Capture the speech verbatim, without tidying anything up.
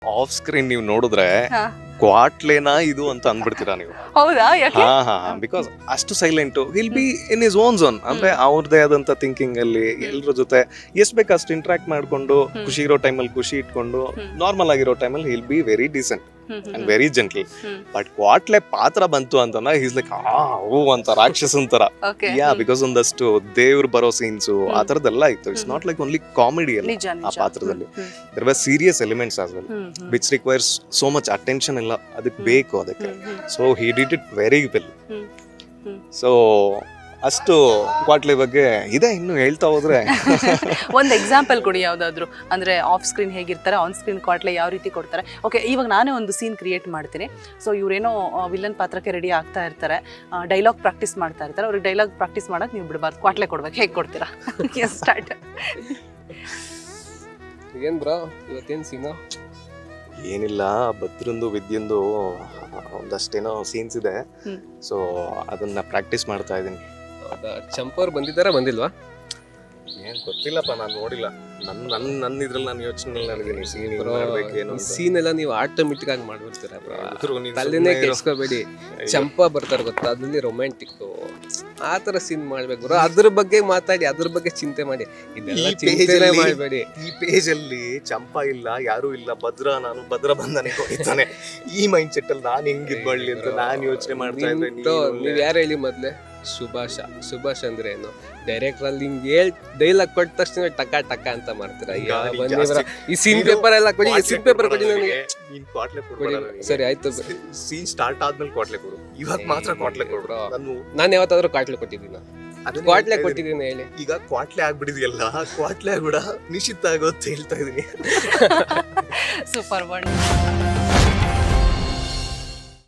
Off screen ನೀವು ನೋಡಿದ್ರೆ ಹಾ. ಕ್ವಾಟ್ಲೇನಾ ಇದು ಅಂತ ಅಂದ್ಬಿಡ್ತೀರಾ ನೀವು. ಹೌದಾ ಯಾಕೆ ಹಾ ಹಾ ಬಿಕಾಸ್ ಅಷ್ಟು silent will be in his own zone ಅಂದ್ರೆ ಅವ್ರದೇ ಆದಂತ ಥಿಂಕಿಂಗ್ ಅಲ್ಲಿ ಎಲ್ರ ಜೊತೆ ಎಷ್ಟ್ ಬೇಕು ಅಷ್ಟು ಇಂಟ್ರಾಕ್ಟ್ ಮಾಡ್ಕೊಂಡು ಖುಷಿ ಇರೋ ಟೈಮಲ್ಲಿ ಖುಷಿ ಇಟ್ಕೊಂಡು ನಾರ್ಮಲ್ ಆಗಿರೋ ಟೈಮಲ್ಲಿ will be very decent and very gentle. But ಕ್ವಾಟ್ಲೆ ಪಾತ್ರ ಬಂತು ಅಂತಂದ್ರೆ ಈಸ್ ಲೈಕ್ ಆ ಹೂ ಅಂತ ರಾಕ್ಷಸನ್ ತರ. Okay. ಯಾ ಬಿಕಾಸ್ ಒಂದಷ್ಟು ದೇವ್ರು ಬರೋ ಸೀನ್ಸು ಆ ತರದೆಲ್ಲ ಇತ್ತು. It's not like only comedy ಅಲ್ಲ ನಿಜ ಆ ನಿಜ ಪಾತ್ರದಲ್ಲಿ. There were serious elements as well which requires so much attention ಎಲ್ಲ ಅದಕ್ಕೆ ಬೇಕು ಅದಕ್ಕೆ. So he did it very well. So ಅಷ್ಟು ಕ್ವಾಟ್ಲೆ ಬಗ್ಗೆ ಇದೆ, ಇನ್ನು ಹೇಳ್ತಾ ಹೋದ್ರೆ. ಒಂದು ಎಕ್ಸಾಂಪಲ್ ಕೊಡಿ ಯಾವ್ದಾದ್ರು, ಅಂದ್ರೆ ಆಫ್ ಸ್ಕ್ರೀನ್ ಹೇಗಿರ್ತಾರೆ, ಆನ್ ಸ್ಕ್ರೀನ್ ಕ್ವಾಟ್ಲೆ ಯಾವ ರೀತಿ ಕೊಡ್ತಾರೆ. ಓಕೆ, ಇವಾಗ ನಾನೇ ಒಂದು ಸೀನ್ ಕ್ರಿಯೇಟ್ ಮಾಡ್ತೀನಿ. ಸೊ ಇವ್ರೇನೋ ವಿಲನ್ ಪಾತ್ರಕ್ಕೆ ರೆಡಿ ಆಗ್ತಾ ಇರ್ತಾರೆ, ಡೈಲಾಗ್ ಪ್ರಾಕ್ಟೀಸ್ ಮಾಡ್ತಾ ಇರ್ತಾರೆ. ಅವ್ರಿಗೆ ಡೈಲಾಗ್ ಪ್ರಾಕ್ಟೀಸ್ ಮಾಡಕ್ ನೀವು ಬಿಡಬಾರ್ದು, ಕ್ವಾಟ್ಲೆ ಕೊಡ್ಬೇಕು. ಹೇಗೆ ಕೊಡ್ತೀರಾ? ಸ್ಟಾರ್ಟ್. ಏನ್ ಬ್ರೋ ಇವತ್ತೇನ್ ಸೀನು? ಏನಿಲ್ಲ, ಭದ್ರಂದು ವಿದ್ಯಂದು ಒಂದಷ್ಟೇನೋ ಸೀನ್ಸ್ ಇದೆ. ಸೊ ಅದನ್ನ ಪ್ರಾಕ್ಟೀಸ್ ಮಾಡ್ತಾ ಇದ್ದೀನಿ. ಹೌದಾ, ಚಂಪವ್ರು ಬಂದಿದ್ದಾರಾ ಬಂದಿಲ್ವಾ? ಏನ್ ಗೊತ್ತಿಲ್ಲಪ್ಪ, ನಾನು ನೋಡಿಲ್ಲ. ನನ್ನ ನನ್ನ ನನ್ನ ಇದ್ರಲ್ಲಿ ನಾನು ಯೋಚನೆ ಮಾಡಿದ್ದೀನಿ ಸೀನ್ ಮಾಡ್ಬೇಕೇನು ಅಂತ. ಸೀನ್ ಎಲ್ಲ ನೀವು ಆಟೋಮೆಟಿಕ್ ಆಗಿ ಮಾಡ್ಬಿಡ್ತೀರಾ ಬ್ರೋ, ಇದ್ರು ನೀನ್ ತಲೆನೇ ಸುಮ್ನೆ ಇರು. ಕೆಡ್ಸ್ಕೋಬೇಡಿ. ಚಂಪಾ ಬರ್ತಾರೆ ಗೊತ್ತಾ, ಅದ್ರಲ್ಲಿ ರೊಮ್ಯಾಂಟಿಕ್ ಆ ತರ ಸೀನ್ ಮಾಡ್ಬೇಕು ಬ್ರೋ. ಅದ್ರ ಬಗ್ಗೆ ಮಾತಾಡಿ, ಅದ್ರ ಬಗ್ಗೆ ಚಿಂತೆ ಮಾಡಿ, ಇದೆಲ್ಲ ಈ page ಚಿಂತೆ ಅಲ್ಲಿ- ಮಾಡಬೇಡಿ. ಈ ಪೇಜ್ ಅಲ್ಲಿ ಚಂಪಾ ಇಲ್ಲ, ಯಾರು ಇಲ್ಲ, ಭದ್ರ ನಾನು ಭದ್ರ ಬಂದನೆ ಹೊಡಿತಾನೆ. ಈ ಮೈಂಡ್ ಸೆಟ್ ಅಲ್ಲಿ ನಾನು ಹೆಂಗ್ ಇದ್ ಮಾಡ್ಲಿ ಅಂತ ನಾನು ಯೋಚನೆ ಮಾಡ್ತಾ ಇದ್ದೆ. ನಿಂತು ನೀವ್ ಯಾರು ಹೇಳಿ ಮೊದ್ಲೆ? ಸುಭಾಷ. ಸುಭಾಷ್ ಅಂದ್ರೆ ಏನು? ಡೈರೆಕ್ಟರ್ ಅಲ್ಲಿ ಹಿಂಗ್ ಹೇಳ್ ಡೈಲಾಗ್ ಕೊಟ್ಟ ತಕ್ಷಣ ಟಕ ಟಕ ಅಂತ ಮಾಡ್ತೀರಾ. ಈಗ ಯಾವ ನೀನ್ ಬನ್ನಿ ಜಾಸ್ತಿ- ಬ್ರೋ, ಈ ಸೀನ್ ಪೇಪರ್ ಎಲ್ಲ ಕೊಡಿ, ಈ ಸೀನ್ ಪೇಪರ್ ಕೊಡಿ ನನಗೆ. ನೀನ್ ಕ್ವಾಟ್ಲೆ ಕೊಡಿ. ಕೊಡ್ಬೇಡ ನನಗೆ. ಸರಿ ಆಯ್ತು. ಸೀನ್ ಸ್ಟಾರ್ಟ್ ಆದ್ಮೇಲೆ ಕ್ವಾಟ್ಲೆ ಕೊಡು, ಇವಾಗ ಮಾತ್ರ ಕ್ವಾಟ್ಲೆ ಕೊಡು. ಬ್ರೋ. ನಾನು ನಾನು ಯಾವತ್ತಾದ್ರೂ ಕ್ವಾಟ್ಲೆ ಕೊಟ್ಟಿದ್ದೀನ? ಅದನ್ನೇ ಕ್ವಾಟ್ಲೆ ಹೇಳ್ತಾ ಇದ್ದೀನಿ. ಕೊಟ್ಟಿದ್ದೀನಿ ಹೇಳಿ. ಈಗ ಕ್ವಾಟ್ಲೆ ಆಗ್ಬಿಡಿದ್ಯಲ್ಲ, ಕ್ವಾಟ್ಲೆ ಆಗ್ಬಿಡ ನಿಶ್ಚಿತ ಆಗೋದು ಹೇಳ್ತಾ ಇದೀನಿ. Super word.